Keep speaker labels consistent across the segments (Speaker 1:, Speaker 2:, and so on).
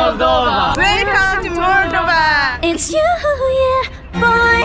Speaker 1: Moldova. Welcome to Moldova.
Speaker 2: It's you, yeah, boy.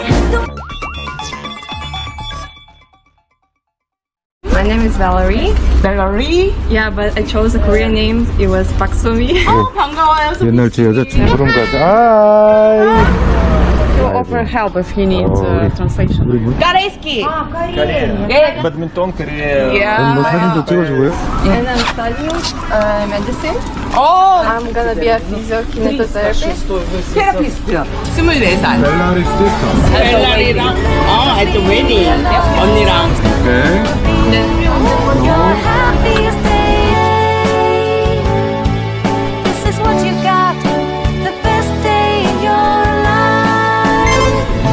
Speaker 3: My name is Valerie.
Speaker 1: Valerie.
Speaker 3: Yeah, but I chose a Korean name. It was Park Somi.
Speaker 1: 반가워요.
Speaker 4: 옛날 제 여자친구랑 가자.
Speaker 3: He will offer help if he needs translation.
Speaker 1: Корейский.
Speaker 5: Корея. Бадминтон, Корея.
Speaker 4: 뭐 사진도 찍어주고요.
Speaker 3: And I'm studying medicine.
Speaker 1: 오,
Speaker 3: I'm gonna be a physiokinetotherapist.
Speaker 1: 테라피스트. 24살.
Speaker 4: 벨라리 시스터.
Speaker 1: 벨라리랑 at the wedding. 언니랑.
Speaker 4: 오케이.
Speaker 2: Your happiest day. This is what you got. The best day in your life.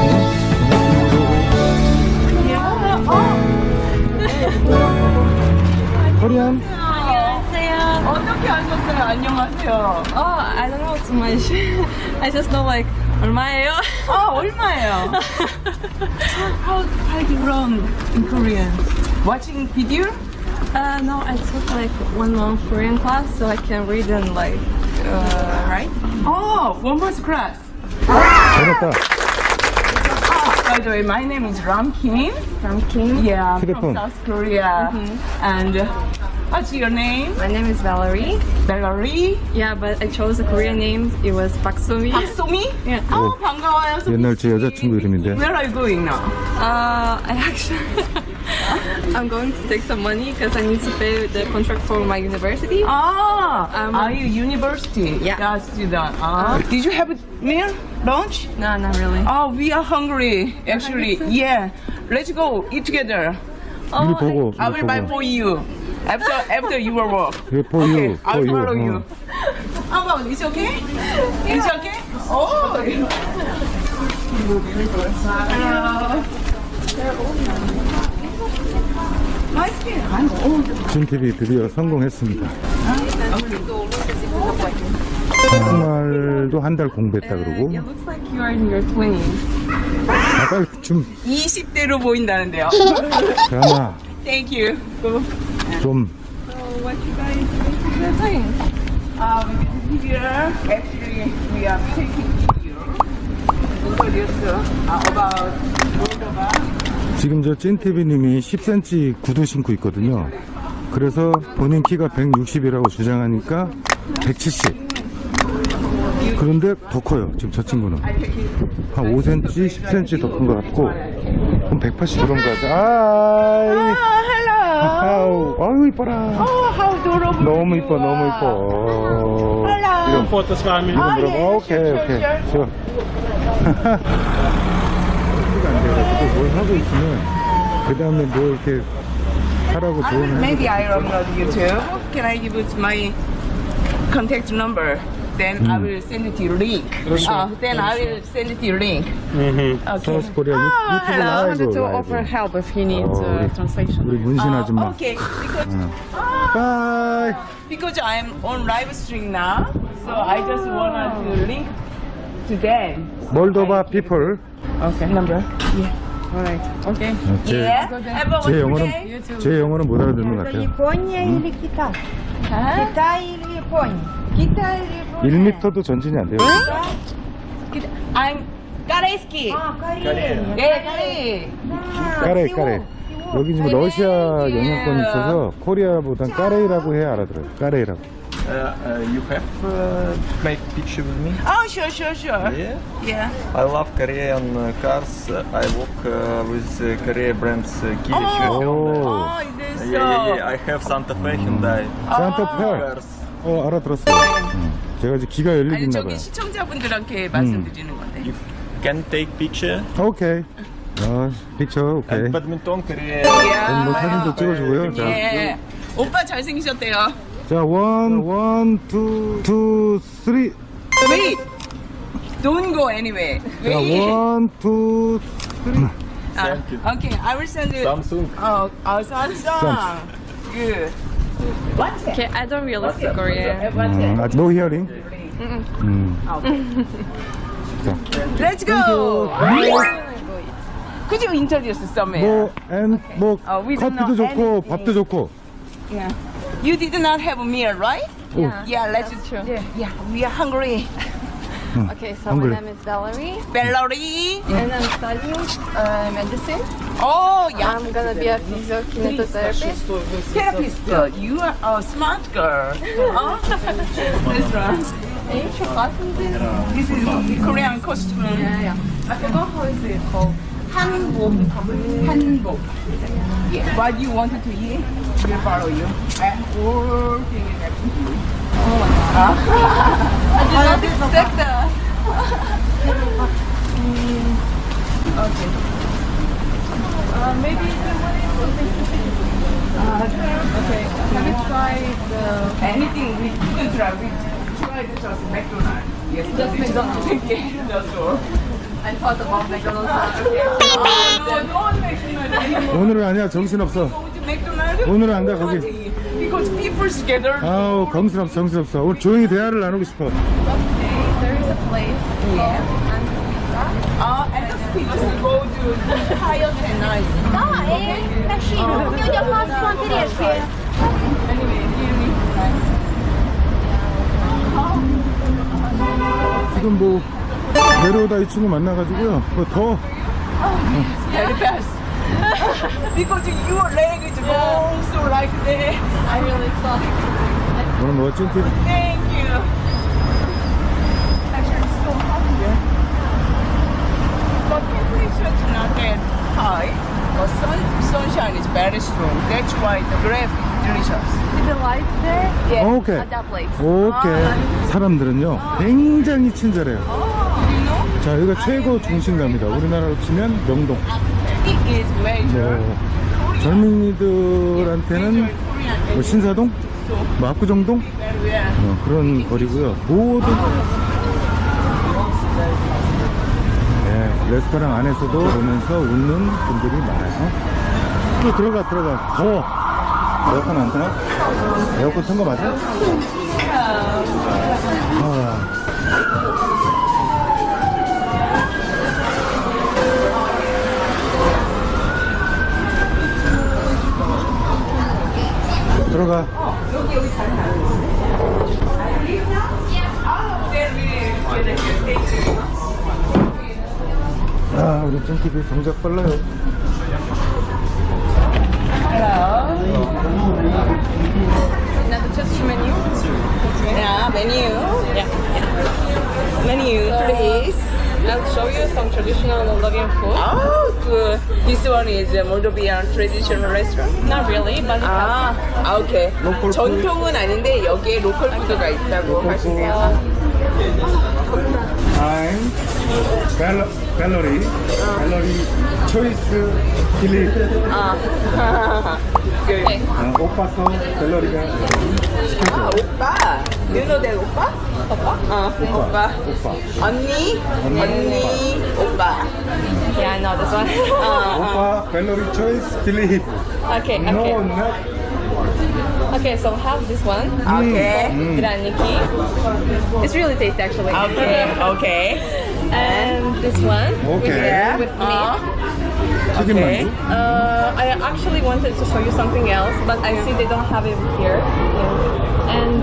Speaker 4: 코리안.
Speaker 1: 어떻게 하셨어요? 안녕하세요.
Speaker 3: Oh, I don't know too much. I just know like 얼마예요?
Speaker 1: 얼마예요? How do you learn in Korean? Watching video?
Speaker 3: No, I took like 1 month Korean class so I can read and like write.
Speaker 1: One more class.
Speaker 4: 잘했다.
Speaker 1: By the way, my name is Ram Kim.
Speaker 3: From Kim.
Speaker 1: Yeah,
Speaker 4: 휴대폰.
Speaker 1: from South Korea. And what's your name?
Speaker 3: My name is Valerie.
Speaker 1: Valerie.
Speaker 3: Yeah, but I chose a Korean name. It was Park Somi.
Speaker 1: 박소미?
Speaker 3: Yeah.
Speaker 1: 반가워요.
Speaker 4: 옛날 제 여자친구 이름인데.
Speaker 1: Where are you going now?
Speaker 3: I actually I'm going to take some money because I need to pay the contract for my university.
Speaker 1: Are you university?
Speaker 3: Yeah.
Speaker 1: Student. Did you have a meal? Lunch?
Speaker 3: No, not really.
Speaker 1: We are hungry, actually. Yeah. Let's go eat together.
Speaker 4: 이리 보고.
Speaker 1: I will buy for you after your work.
Speaker 4: For you.
Speaker 1: I will
Speaker 4: For
Speaker 1: follow
Speaker 4: you.
Speaker 1: you. How about it's okay? It's okay? Oh.
Speaker 4: 진 TV 드디어 성공했습니다. 정말도 한 달 공부했다 그러고.
Speaker 3: It looks like you are in your 20s.
Speaker 4: 아까 좀
Speaker 1: 20대로 보인다는데요.
Speaker 4: 드라마
Speaker 1: Thank you.
Speaker 4: 좀
Speaker 3: So what you guys doing?
Speaker 1: Here, actually, we are taking video. Introduce about Moldova.
Speaker 4: 지금 저 찐TV님이 10cm 구두 신고 있거든요. 그래서 본인 키가 160이라고 주장하니까 170. 그런데 더 커요. 지금 저 친구는 한 5cm, 10cm 더 큰 것 같고. 그럼 180 그런 거 같아.
Speaker 1: Hello.
Speaker 4: 아유 이뻐라.
Speaker 1: How adorable.
Speaker 4: 너무 이뻐, 너무 이뻐. 이런
Speaker 5: Фото с вами.
Speaker 4: 이름 물어봐. 오케이. 좋아. 안 돼가지고 뭘 하고 있으면 그 다음에 뭐 이렇게 하라고 조언을
Speaker 1: Maybe I upload YouTube. Can I give it my contact number? Then I will send it to you link. Then I will send it to you link. Okay.
Speaker 4: 사우스 코리아 유튜브
Speaker 3: I wanted to
Speaker 4: 라이브.
Speaker 3: offer help if he needs
Speaker 4: 우리
Speaker 3: translation.
Speaker 4: 문신 아줌마.
Speaker 1: Okay.
Speaker 4: 바이.
Speaker 1: Because I'm on live stream now, so I just wanted to link to them.
Speaker 4: 몰도바 피플.
Speaker 1: Okay. Number.
Speaker 3: Alright. Okay.
Speaker 1: Yeah.
Speaker 4: 제 영어는 못 알아듣는 것 같아요.
Speaker 6: Япония или Китай? Китай или Япония? Китай или Япония?
Speaker 4: 1m도 전진이 안 돼요.
Speaker 1: I'm Корейский.
Speaker 6: Корея.
Speaker 1: 예, Корей.
Speaker 4: 까레. 여기 지금 러시아 영향권이 있어서 코리아보단 까레이라고 해야 알아들어요. 까레이라고.
Speaker 5: You have make picture with me?
Speaker 1: Oh, sure.
Speaker 5: Yeah.
Speaker 1: Yeah.
Speaker 5: I love Korean cars. I work with Korea brands Kia, Hyundai.
Speaker 1: Oh, this.
Speaker 5: Yeah. I have Santa Fe, Hyundai
Speaker 4: 산타페.
Speaker 5: cars.
Speaker 4: 알아들었어요. 제가 지금 귀가 열리고
Speaker 1: 아니
Speaker 4: 있나
Speaker 1: 저기
Speaker 4: 봐요.
Speaker 1: 시청자분들한테 말씀드리는 건데.
Speaker 5: You can take picture.
Speaker 4: 오케이. 픽처 오케이.
Speaker 5: And badminton, Korea.
Speaker 4: 뭐 사진도 찍어주고요. 자,
Speaker 1: 예. 오빠 잘생기셨대요.
Speaker 4: 자, 원, 투, 쓰리.
Speaker 1: Wait. Don't go anywhere.
Speaker 4: 자,
Speaker 1: Wait.
Speaker 4: 원, 투, 쓰리.
Speaker 5: Thank you.
Speaker 1: Okay, I will send you.
Speaker 5: Samsung.
Speaker 1: Samsung. Good. What's it?
Speaker 3: Okay, I don't really speak Korean.
Speaker 1: What's it?
Speaker 4: 아직 노 히어링. 자,
Speaker 1: Let's go. Could you introduce somewhere?
Speaker 4: 뭐
Speaker 1: we don't
Speaker 4: 커피도
Speaker 1: know
Speaker 4: 좋고
Speaker 1: anything.
Speaker 4: 밥도 좋고.
Speaker 1: Yeah. You did not have a meal, right? Yeah, let's. Yeah, we are hungry.
Speaker 3: Okay, so
Speaker 4: Hungry.
Speaker 3: my name is Valerie,
Speaker 1: Valerie.
Speaker 3: and I'm studying medicine.
Speaker 1: Oh, yeah.
Speaker 3: I'm gonna be a physiokinetotherapist.
Speaker 1: Therapist. You are a smart girl. That's right. This is Korean costume.
Speaker 3: Yeah. I forgot how is it called.
Speaker 1: 한복. 한복. Yeah. What you wanted to eat, we'll follow you. And all things next to you.
Speaker 3: I did not expect that.
Speaker 1: Okay.
Speaker 3: Maybe the one is something
Speaker 1: Okay.
Speaker 3: Have you tried
Speaker 1: Anything we couldn't try, we tried just McDonald's. Yes,
Speaker 3: Just McDonald's.
Speaker 1: Yeah, that's all.
Speaker 3: I thought about McDonald's.
Speaker 1: No, don't McDonald's.
Speaker 4: 오늘은 아니야, 정신없어.
Speaker 1: Go to McDonald's.
Speaker 4: 오늘은 안 가, 거기.
Speaker 1: Because people together.
Speaker 4: 아우, 정신없어. 오늘 조용히 대화를 나누고 싶어.
Speaker 3: Okay, there is a place
Speaker 1: And the speakers go to higher than nice.
Speaker 6: Да, машину. У тебя паспорт орешки.
Speaker 4: 지금 뭐 내려오다 이 친구 만나가지고요. 더
Speaker 1: Very fast. Because your leg is long, so like that.
Speaker 3: I really thought.
Speaker 4: 오늘 멋진 팀.
Speaker 1: Thank you. Actually, it's so hot here. But temperature is not that high. But sunshine is very strong. That's why the grape is delicious.
Speaker 3: Is the light there?
Speaker 1: Yeah.
Speaker 4: 오케이.
Speaker 3: At that place.
Speaker 4: 오케이. 사람들은요 굉장히 친절해요.
Speaker 1: You know,
Speaker 4: 자, 여기가 최고 중심가입니다. 우리나라로 치면 명동.
Speaker 1: it is major.
Speaker 4: 뭐 젊은이들한테는 뭐 신사동, 뭐 압구정동
Speaker 1: Very well.
Speaker 4: 그런 거리고요. 모든 레스토랑 안에서도 보면서 웃는 분들이 많아요. 또 들어가. 더워. 에어컨 안 타나? 에어컨 튼 거 맞아? 들어가. 우리 찜TV 동작 빨라요.
Speaker 3: Now the just menu.
Speaker 1: Yeah, menu. Yeah. Menu, please.
Speaker 3: I'll show you some traditional Moldovan food.
Speaker 1: Oh, good. This one is a Moldovan traditional restaurant.
Speaker 3: Not really, but it has
Speaker 1: 오케이.
Speaker 4: 로컬
Speaker 1: 전통은 아닌데 여기에 로컬 푸드가 있다고 하시네요.
Speaker 4: I'm 갤러리 초이스 딜리.
Speaker 3: okay.
Speaker 4: 오빠서 갤러리가 시켜줘.
Speaker 1: 오빠. You know that 오빠? 오빠. 언니. 오빠.
Speaker 3: Yeah, I know this one.
Speaker 4: 오빠 갤러리 초이스 딜리.
Speaker 3: okay,
Speaker 4: No,
Speaker 3: okay.
Speaker 4: not.
Speaker 3: Okay, so have this one.
Speaker 1: 오케이.
Speaker 3: Graniki. It's really tasty actually.
Speaker 1: 오케이.
Speaker 3: And this one.
Speaker 4: Okay.
Speaker 3: With meat.
Speaker 4: 튀김
Speaker 1: Okay.
Speaker 4: 만두.
Speaker 3: I actually wanted to show you something else, but I see they don't have it here. And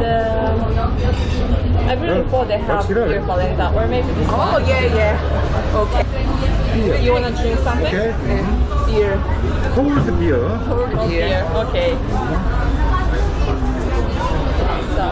Speaker 3: I really thought they have
Speaker 4: 확실하네.
Speaker 3: beer polenta, or maybe this
Speaker 1: Oh,
Speaker 3: one.
Speaker 1: yeah. Okay.
Speaker 3: You wanna drink something?
Speaker 4: Okay.
Speaker 1: Beer.
Speaker 4: Cold beer.
Speaker 3: Cold beer. Okay. So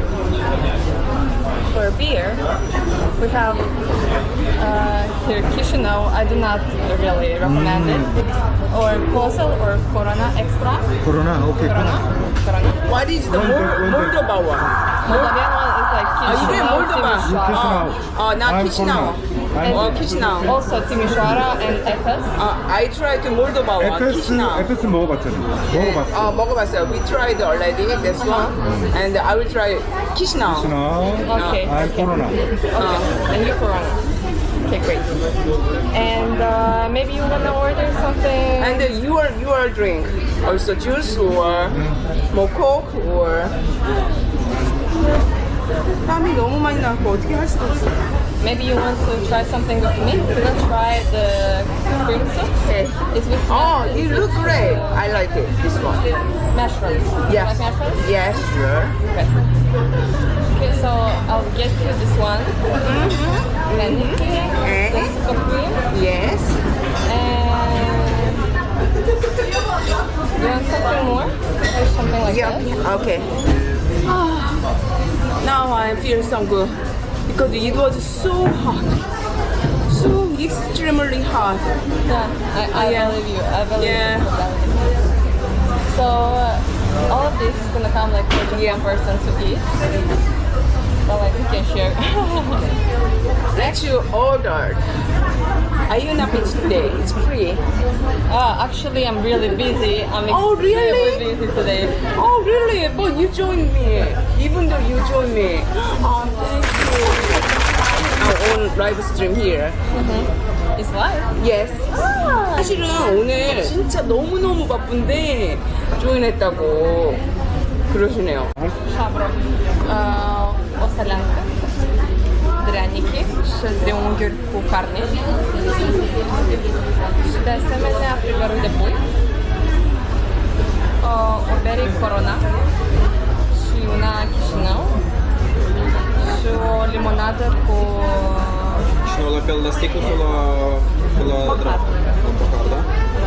Speaker 3: for beer, we have here Chisinau. I do not really recommend it. Or Kosel or Corona Extra.
Speaker 4: 코로나. 오케이.
Speaker 3: Corona.
Speaker 1: What is the
Speaker 4: Wonder.
Speaker 1: Moldova one?
Speaker 3: Moldovan one is like
Speaker 1: 이게
Speaker 3: Chisinau,
Speaker 1: 몰도바.
Speaker 3: Timișoara.
Speaker 1: not
Speaker 4: I'm
Speaker 1: Chisinau.
Speaker 4: Corona.
Speaker 1: Chisinau.
Speaker 3: Also Timișoara and Efes.
Speaker 1: I tried to Moldova one. Chisinau.
Speaker 4: 에페스 먹어봤잖아. 먹어봤어.
Speaker 1: 먹어봤어요. We tried already this one, and I will try Chisinau.
Speaker 3: Okay.
Speaker 4: I'm 코로나.
Speaker 3: And you Corona. Okay, great. And maybe you wanna order something.
Speaker 1: And your drink, also juice or more Coke or 땀이 너무 많이 나고 어떻게 할 수가 없어.
Speaker 3: Maybe you want to try something with me? Let's try the cream soup.
Speaker 1: Okay.
Speaker 3: It's with
Speaker 1: Oh, it looks great. I like it. This one.
Speaker 3: mushrooms.
Speaker 1: Yes.
Speaker 3: Like mushrooms?
Speaker 1: Yes, sure.
Speaker 3: Okay. Okay, so I'll get you this one. Candy cream,
Speaker 1: Okay.
Speaker 3: the scoop cream,
Speaker 1: Yes.
Speaker 3: and you want something more? Or something like
Speaker 1: Yeah.
Speaker 3: that?
Speaker 1: Okay. Now I feel so good because it was so hot, so extremely hot.
Speaker 3: Yeah, I
Speaker 1: Yeah.
Speaker 3: believe you. I believe
Speaker 1: Yeah.
Speaker 3: you. So all of this is gonna come like for just
Speaker 1: Yeah.
Speaker 3: one person to eat. But like we can share.
Speaker 1: That you ordered. Are you not busy today? It's free.
Speaker 3: Actually, I'm really busy. I'm
Speaker 1: Oh, really?
Speaker 3: extremely busy today.
Speaker 1: Oh, really? But you joined me. Even though you joined me. Oh, thank you. Our own live stream here.
Speaker 3: It's live.
Speaker 1: Yes. 사실은 오늘 진짜 너무너무 바쁜데 조인했다고 그러시네요.
Speaker 3: Шабро. Осолянка. Дряники. Шездеунгер кухарни. Ще семеня пригоруде буй. Обери корона. Шиуна Кишинау. Шу лимонада по...
Speaker 5: Sono la pelle da sticco sulla
Speaker 3: Mocar.
Speaker 5: da?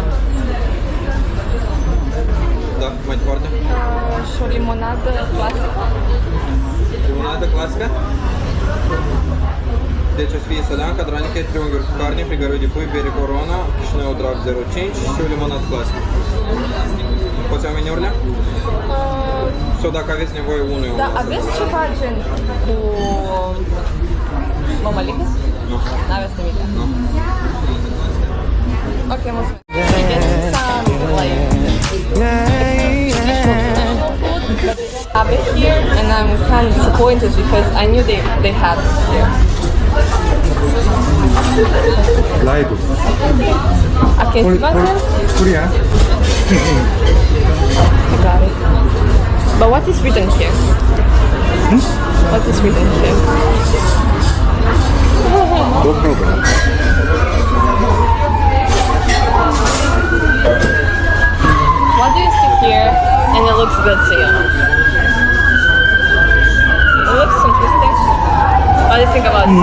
Speaker 5: Da, mai departe.
Speaker 3: Шу лимонада класика.
Speaker 5: Limonada clasică. Deci o să fie săleanca, dranică, triunghiuri cu carne, frigărui de pui, bere Corona, Chișinău Drag 05 și o limonadă clasică. Poți ia meniurile? Sau dacă aveți nevoie unul, eu
Speaker 3: Da,
Speaker 5: o să
Speaker 3: aveți
Speaker 5: vă-
Speaker 3: ceva gen cu mămăligă?
Speaker 5: Nu.
Speaker 3: N-aveți nimic.
Speaker 5: Nu.
Speaker 3: Ok, mulțumesc. I get some like traditional food, but they don't have it here, and I'm kind of disappointed because I knew they had it here.
Speaker 4: 라이브.
Speaker 3: Okay,
Speaker 4: 코리아.
Speaker 3: I got it. But what is written here? What is written here?
Speaker 4: No problem.
Speaker 3: What do you see here and it looks good to you? It looks interesting. What do you think about it?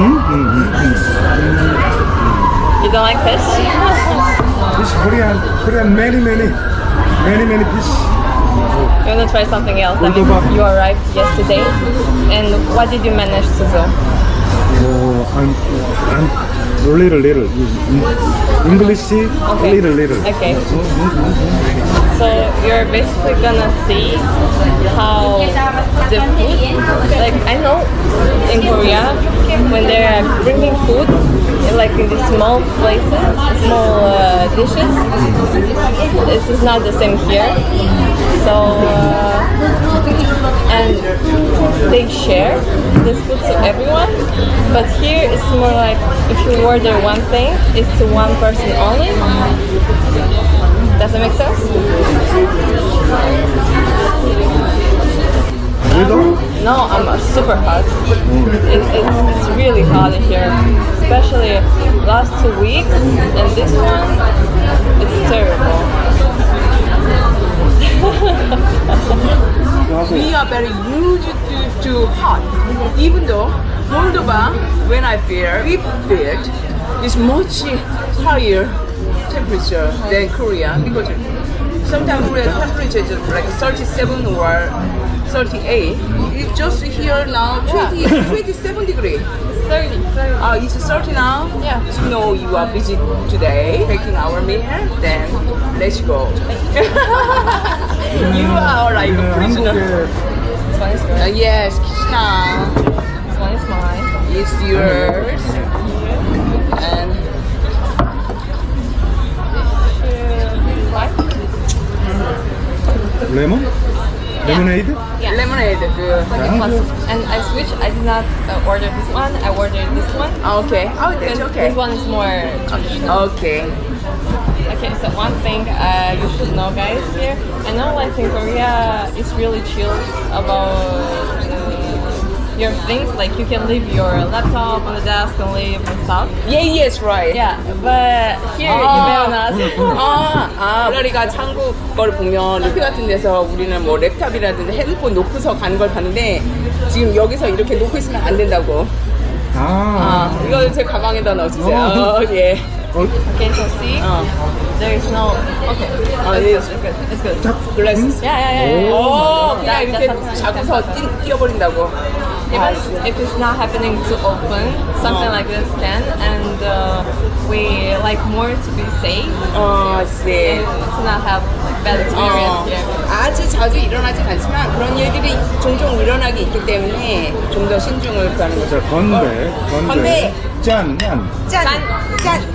Speaker 3: You don't like fish?
Speaker 4: This Korean many fish.
Speaker 3: You want to try something else? I mean,
Speaker 4: Ultobak.
Speaker 3: you arrived yesterday, and what did you manage to do?
Speaker 4: I'm little. English, little.
Speaker 3: Okay. So you're basically gonna see how the food, like I know in Korea, when they're bringing food, like in these small places, small dishes, this is not the same here. So, and they share this food to everyone, but here it's more like if you order one thing, it's to one person only. Does that make sense? No, I'm super hot. It's really hot in here, especially last 2 weeks, and this one, it's terrible.
Speaker 1: We are very used to hot. Even though Moldova, when I feel is much higher temperature than Korea because sometimes Korean temperature is like 37 or 38. It's just here now 27 degrees.
Speaker 3: 30.
Speaker 1: It's 30 now?
Speaker 3: Yeah.
Speaker 1: You know you are busy today taking our meal, then let's go. You are like a prisoner.
Speaker 3: This one is good.
Speaker 1: Yes, Krishna.
Speaker 3: This one is mine.
Speaker 1: It's yours. And
Speaker 4: Lemon? Lemonade?
Speaker 3: Yeah.
Speaker 1: lemonade. Good.
Speaker 3: And I switched. I did not order this one. I ordered this one.
Speaker 1: Okay. Oh, that's
Speaker 3: Because
Speaker 1: okay.
Speaker 3: this one is more traditional.
Speaker 1: Okay.
Speaker 3: Okay, so one thing you should know, guys, here. I know, like in Korea, it's really chill about your things, like you can leave your laptop on the desk and leave and stuff.
Speaker 1: Yeah, yes, right.
Speaker 3: Yeah, but here you better not.
Speaker 1: 블러리가 한국 걸 보면 루피 같은 데서 우리는 뭐 랩탑이라든지 핸드폰 놓고서 가는 걸 봤는데 지금 여기서 이렇게 놓고 있으면 안 된다고. 이거 제 가방에다 넣어주세요. 예.
Speaker 3: Okay, so see, there is no. Okay, it's good. It's good.
Speaker 1: 글라스.
Speaker 3: Yeah.
Speaker 1: 그냥
Speaker 3: That-
Speaker 1: 이렇게
Speaker 3: that's something
Speaker 1: 잡고서 뛰어버린다고.
Speaker 3: Even if it's not happening too often, something like this can, and we like more to be safe
Speaker 1: 네.
Speaker 3: and to not have bad experience here.
Speaker 1: 아주 자주 일어나지 않지만 그런 일들이 종종 일어나기 있기 때문에 좀 더 신중을 구하는 거죠.
Speaker 4: 자, 건배.
Speaker 1: 건배.
Speaker 4: 짠.
Speaker 1: 짠.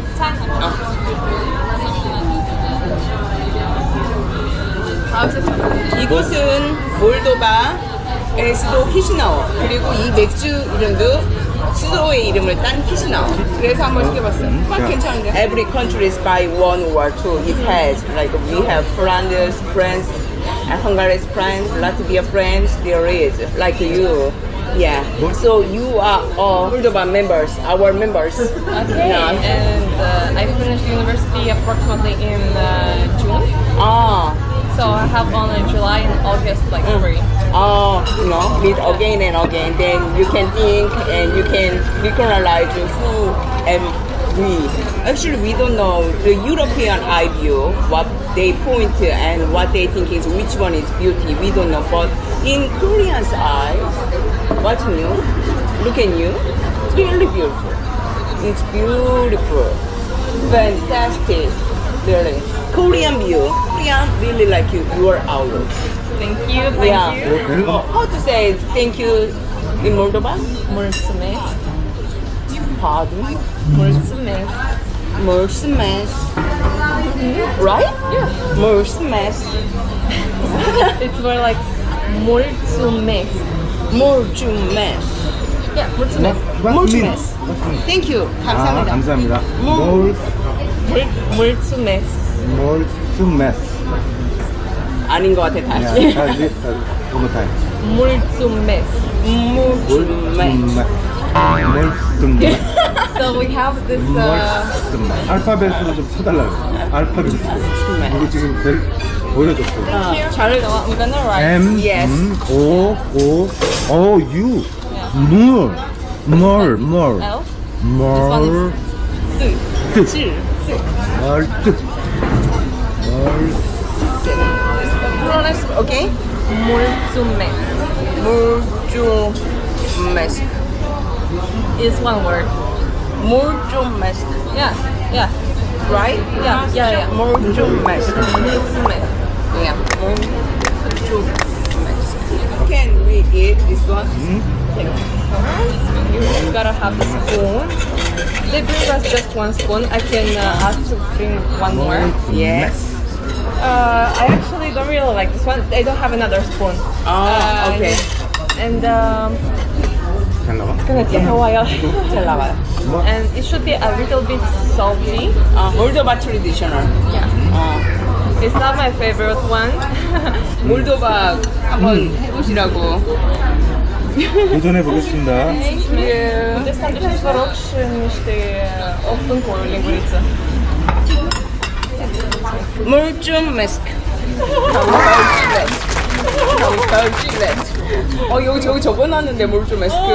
Speaker 1: 이곳은 몰도바의 수도 키시나우, 그리고 이 맥주 이름도 수도의 이름을 딴 키시나우. 그래서 한번 시켜봤어요. 괜찮은데? Every country is by one or two. It has like we have France, and Hungary's friends, Latvia friends. There is like you. Yeah. So you are all Moldova members, our members.
Speaker 3: Okay,
Speaker 1: Yeah.
Speaker 3: and I finished university approximately in June, so I have only July and August like free.
Speaker 1: Meet again and again. Then you can think and you can recognize who and we. Actually, we don't know the European eye view, what they point to and what they think is which one is beauty. We don't know. But in Korean's eyes, watching you, look at you, really beautiful. It's beautiful, fantastic, really. Korean view. Korean really like you. Your outlook.
Speaker 3: Thank you.
Speaker 1: Yeah.
Speaker 3: You.
Speaker 1: How to say thank you in Moldova?
Speaker 3: Mulțumesc.
Speaker 1: Pardon?
Speaker 3: Mulțumesc.
Speaker 1: Mulțumesc. Right?
Speaker 3: Yeah.
Speaker 1: Mulțumesc.
Speaker 3: It's more like mulțumesc.
Speaker 1: Mulțumesc.
Speaker 3: Yeah, mulțumesc.
Speaker 1: Mulțumesc. Thank you. 감사합니다.
Speaker 4: 감사합니다.
Speaker 3: mulțumesc.
Speaker 4: 몰스메스.
Speaker 1: 아닌 것 같아 다시.
Speaker 4: 다시. one more time.
Speaker 3: mulțumesc.
Speaker 1: mulțumesc.
Speaker 4: 몰스메스.
Speaker 3: So we have this.
Speaker 4: 몰스메스. 알파벳으로 좀 쳐달라고. 알파벳. 이거 지금 보여줬어요.
Speaker 1: 잘.
Speaker 3: So I'm gonna write.
Speaker 4: M,
Speaker 1: Yes.
Speaker 4: O, U. 물.
Speaker 3: L.
Speaker 4: 물.
Speaker 3: This
Speaker 4: 뜻.
Speaker 3: 스.
Speaker 4: 멀뜻.
Speaker 1: Pronounce okay?
Speaker 3: mulțumesc.
Speaker 1: mulțumesc.
Speaker 3: Is one word.
Speaker 1: mulțumesc.
Speaker 3: Yeah.
Speaker 1: Right?
Speaker 3: Yeah.
Speaker 1: mulțumesc.
Speaker 3: mulțumesc.
Speaker 1: Yeah. mulțumesc. Can we eat this one?
Speaker 3: You gotta have the spoon. They bring us just one spoon. I can ask to bring one more.
Speaker 1: Yes.
Speaker 3: I actually don't really like this one. They don't have another spoon.
Speaker 1: Okay.
Speaker 3: And
Speaker 4: 잘 나와?
Speaker 3: it's gonna take a while.
Speaker 1: 잘 나와요.
Speaker 3: And it should be a little bit salty.
Speaker 1: 몰도바 트레디셔널.
Speaker 3: It's not my favorite one.
Speaker 1: 몰도바 한번 해보시라고.
Speaker 4: 도전해 보겠습니다.
Speaker 1: Thank you.
Speaker 3: Destul de vă rog și niște o frâncă, o linguriță.
Speaker 1: mulțumesc. 여기 저기 적어놨는데 mulțumesc.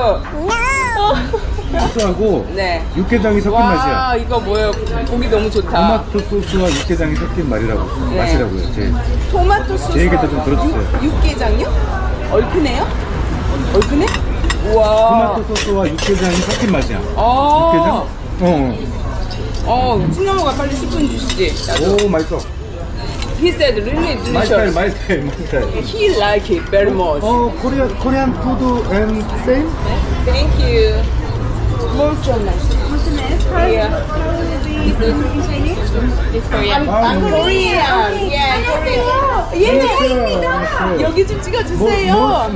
Speaker 4: 소스하고
Speaker 1: 네.
Speaker 4: 육개장이 섞인 맛이야.
Speaker 1: 와 이거 뭐예요? 보기 너무 좋다.
Speaker 4: 토마토 소스와 육개장이 섞인
Speaker 1: 네.
Speaker 4: 맛이라고요.
Speaker 1: 토마토 소스.
Speaker 4: 제 얘기도 좀 들어주세요.
Speaker 1: 육개장요? 얼큰해요? 얼큰해? 우와.
Speaker 4: 토마토 소스와 육개장이 섞인 맛이야. 육개장?
Speaker 1: 콩나물가 빨리 스푼 주시지. 나도.
Speaker 4: 오, 맛있어.
Speaker 1: He said really
Speaker 4: 마이 스타일,
Speaker 1: delicious.
Speaker 4: 마이 스타일.
Speaker 1: He like it very much.
Speaker 4: 코리안 푸드 앤 세임?
Speaker 1: Thank you. mulțumesc. Yeah.
Speaker 3: It's Korean.
Speaker 1: I'm Korean. Yeah, Korean. 여기 좀 찍어주세요.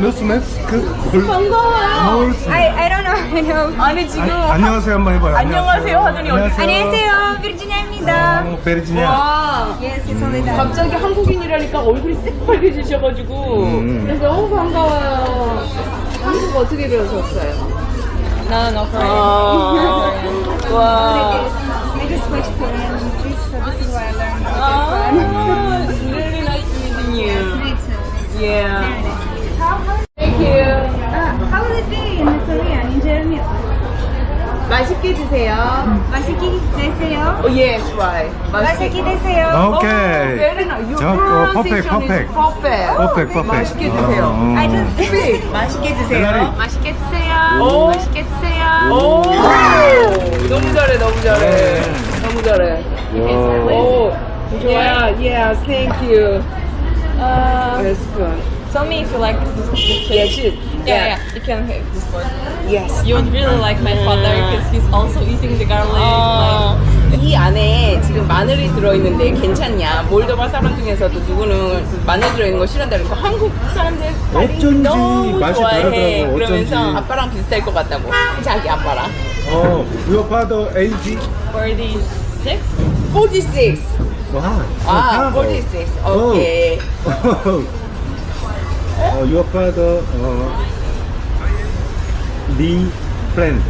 Speaker 1: 반가워요.
Speaker 6: I don't know.
Speaker 1: 아니 지금
Speaker 4: 안녕하세요 한번 해봐요.
Speaker 1: 안녕하세요 하더니
Speaker 6: 안녕하세요. 비르지니아입니다.
Speaker 4: 베르지니아.
Speaker 1: 와
Speaker 6: Yes, it's only that.
Speaker 1: 갑자기 한국인이라니까 얼굴이 새빨개지셔가지고 그래서 너무 반가워요. 한국어 어떻게 배우셨어요?
Speaker 3: No, Korean.
Speaker 1: 아, 와.
Speaker 6: Maybe switch Korean English, so this is why I learned
Speaker 1: Ah, it's really nice meeting you.
Speaker 6: Me too.
Speaker 1: Yeah.
Speaker 6: Thank you. How will it be in Korean, in Germany?
Speaker 1: 맛있게 드세요.
Speaker 6: 맛있게 드세요.
Speaker 1: Oh, yes, right.
Speaker 6: 맛있게 드세요.
Speaker 4: 오케이.
Speaker 1: Very nice. Your
Speaker 4: 저,
Speaker 1: pronunciation
Speaker 4: perfect.
Speaker 1: is perfect.
Speaker 4: 퍼펙트.
Speaker 1: 맛있게 드세요.
Speaker 6: I just
Speaker 1: Speak. 맛있게 드세요.
Speaker 4: 벨라리.
Speaker 3: 맛있게 드세요.
Speaker 1: 오.
Speaker 3: 맛있게 드세요.
Speaker 1: 오, 너무 잘해, 너무 잘해. 너무 잘해. 오, 좋아요. Yeah, thank you. That's good.
Speaker 3: Tell me if you like this chip.
Speaker 1: Yeah, chip.
Speaker 3: Yeah, you can have this one.
Speaker 1: Yes.
Speaker 3: You would really like my father because he's also eating the garlic.
Speaker 1: 이 안에 지금 마늘이 들어있는데 괜찮냐? 몰도바 사람 중에서도 누구는 마늘 들어있는 거 싫어한다는 거 한국 사람들
Speaker 4: 어쩐지
Speaker 1: 너무
Speaker 4: 맛이
Speaker 1: 좋아해.
Speaker 4: 다르더라고,
Speaker 1: 그러면서
Speaker 4: 어쩐지.
Speaker 1: 아빠랑 비슷할 것 같다고. 자기 아빠랑.
Speaker 4: Your father age?
Speaker 3: 46?
Speaker 1: 46.
Speaker 4: 와.
Speaker 1: 아, 46. 오케이.
Speaker 4: Your father the friend.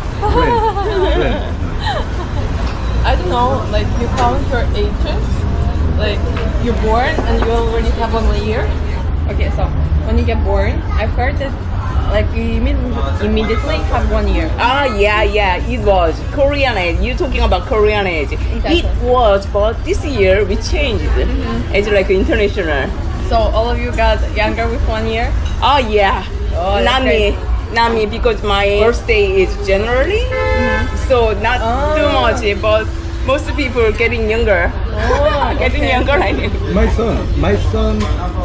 Speaker 3: I don't know, like you count your ages, like you're born and you already have 1 year. Okay, so when you get born, I've heard that like you immediately have 1 year.
Speaker 1: Ah, yeah, it was Korean age. You talking about Korean age?
Speaker 3: Exactly.
Speaker 1: It was, but this year we changed. It's like international.
Speaker 3: So all of you got younger with 1 year?
Speaker 1: Oh yeah,
Speaker 3: Oh, that's
Speaker 1: not me, because my birthday is January, so not too much. But most people getting younger. Getting
Speaker 3: okay.
Speaker 1: younger, I think.
Speaker 4: My son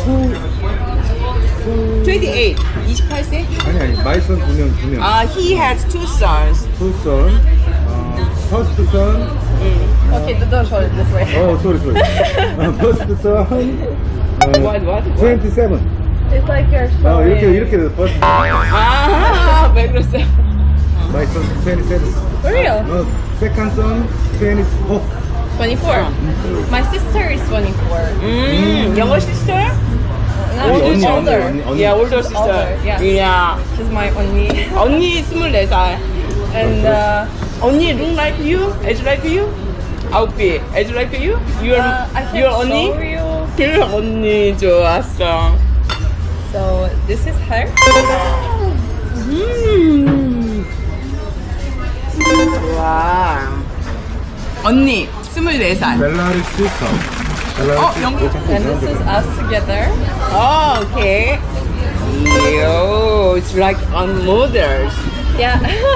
Speaker 1: 28, 28세?
Speaker 4: 아니 my son 2명.
Speaker 1: He has 2 sons.
Speaker 4: Two son. First son.
Speaker 3: Okay, don't show it this way.
Speaker 4: Oh, sorry. First son.
Speaker 1: What?
Speaker 4: 27.
Speaker 3: It's like you're showing.
Speaker 4: 이렇게 돼서 first.
Speaker 1: 아, 왜 그랬어요?
Speaker 4: My son 27.
Speaker 3: For real?
Speaker 4: Second son 24.
Speaker 3: 24. My sister is 24.
Speaker 1: Younger sister?
Speaker 3: No, she's older.
Speaker 1: Yeah, older sister.
Speaker 3: Older, yeah.
Speaker 1: Yeah.
Speaker 3: She's my only.
Speaker 1: 언니 24살.
Speaker 3: And
Speaker 1: 언니 look like you? Age like you? outfit. Age like you?
Speaker 3: I can
Speaker 1: your
Speaker 3: show
Speaker 1: 언니?
Speaker 3: you.
Speaker 1: 그 언니 좋았어.
Speaker 3: So this is her.
Speaker 1: 와. 언니 24살.
Speaker 4: 벨라리 시스터.
Speaker 1: 영국.
Speaker 3: And this is us together.
Speaker 1: Oh, okay. Yo, it's like on mothers.
Speaker 3: Yeah.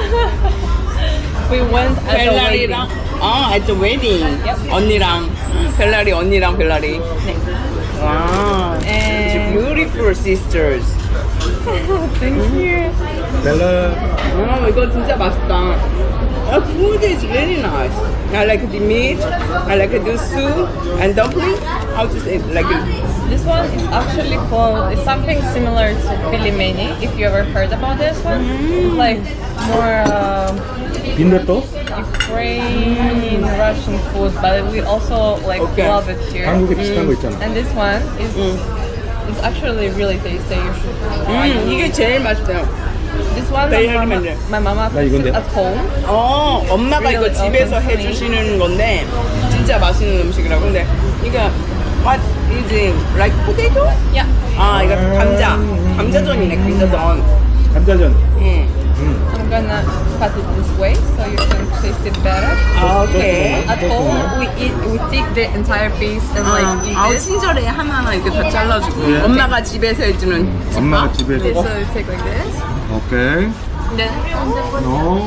Speaker 3: We went at the wedding.
Speaker 1: 벨라리랑 at the wedding.
Speaker 3: Yep.
Speaker 1: 언니랑 언니랑 벨라리. Wow.
Speaker 3: And-
Speaker 1: It's beautiful sisters.
Speaker 3: Thank you.
Speaker 4: 벨라.
Speaker 1: 이거 진짜 맛있다. Food is really nice. I like the meat. I like the soup and dumpling. How to say it? Like
Speaker 3: This one is actually called, it's something similar to pilimeni, if you ever heard about this one. It's like more
Speaker 4: 빈대떡?
Speaker 3: Ukraine, Russian food, but we also like
Speaker 1: Okay.
Speaker 3: love it here.
Speaker 4: 한국에 비슷한 거 있잖아.
Speaker 3: And this one is it's actually really tasty. You should try it.
Speaker 1: 이게 제일 맛있어요.
Speaker 3: This one
Speaker 1: Very
Speaker 3: my mama
Speaker 4: 나
Speaker 3: cooks
Speaker 4: 이건데.
Speaker 3: it at home.
Speaker 1: 엄마가 이거
Speaker 3: Really
Speaker 1: 집에서
Speaker 3: authentic.
Speaker 1: 해주시는 건데 진짜 맛있는 음식이라고. 근데 이게 what is it? Like potato?
Speaker 3: Yeah.
Speaker 1: 이거 감자전이네, 감자전.
Speaker 4: 감자전.
Speaker 3: I'm gonna cut it this way so you can taste it better.
Speaker 1: 오케이.
Speaker 3: At home we take the entire piece and like eat it.
Speaker 1: 친절해. 하나하나 이렇게 다 잘라주고. 엄마가 집에서 해주는
Speaker 4: 엄마가
Speaker 1: 집밥.
Speaker 4: 집에
Speaker 3: Okay,
Speaker 4: 해서.
Speaker 3: so you take like this.
Speaker 4: 오케이.
Speaker 3: Then
Speaker 4: No.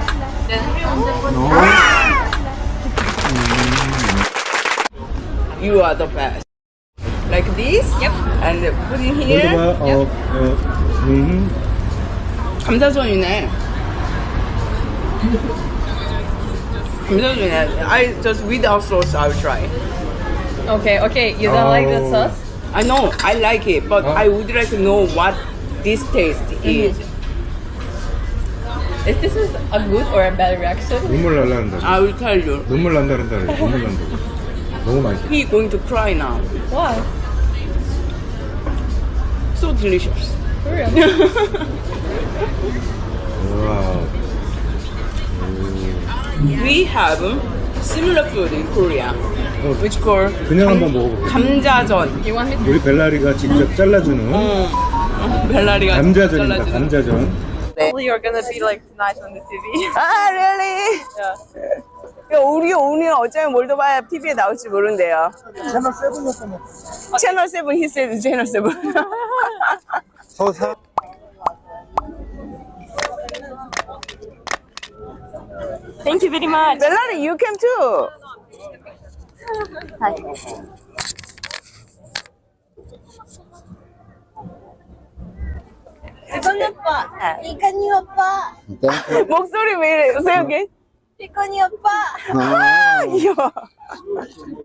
Speaker 1: You are the best. Like this?
Speaker 3: Yep.
Speaker 1: And put in here. 감자전이네. 감자전이네. I just without sauce I'll try.
Speaker 3: okay, you don't like the sauce?
Speaker 1: I know, I like it, but I would like to know what this taste is.
Speaker 3: If this is a good or a bad reaction?
Speaker 4: 눈물 날라는다.
Speaker 1: I will tell you.
Speaker 4: 눈물 난다는다. 눈물 난다. 너무 맛있어.
Speaker 1: He going to cry now.
Speaker 3: Why?
Speaker 1: So delicious.
Speaker 3: Korea.
Speaker 4: 와.
Speaker 1: We have similar food in Korea, which called
Speaker 4: 그냥 한번 먹어볼게요.
Speaker 1: 감자전.
Speaker 3: You want me to?
Speaker 4: 우리 벨라리가 직접 잘라주는
Speaker 1: 벨라리가
Speaker 4: 감자전입니다.
Speaker 1: 잘라주는.
Speaker 4: 감자전.
Speaker 3: Hopefully you're gonna be like tonight on the TV.
Speaker 1: 아, really?
Speaker 3: Yeah.
Speaker 1: 우리 오늘 어쩌면 몰도바 TV에 나올지 모른대요.
Speaker 4: 채널 7이었으면.
Speaker 1: 채널 7, he said 채널 7.
Speaker 4: 서사.
Speaker 3: Thank you very much.
Speaker 1: 멜라리, you came too.
Speaker 6: 피코니 오빠. 피코니 오빠.
Speaker 1: 목소리 왜 이래? 세요, 걔?
Speaker 6: 피코니 오빠.
Speaker 1: 아, 귀여워.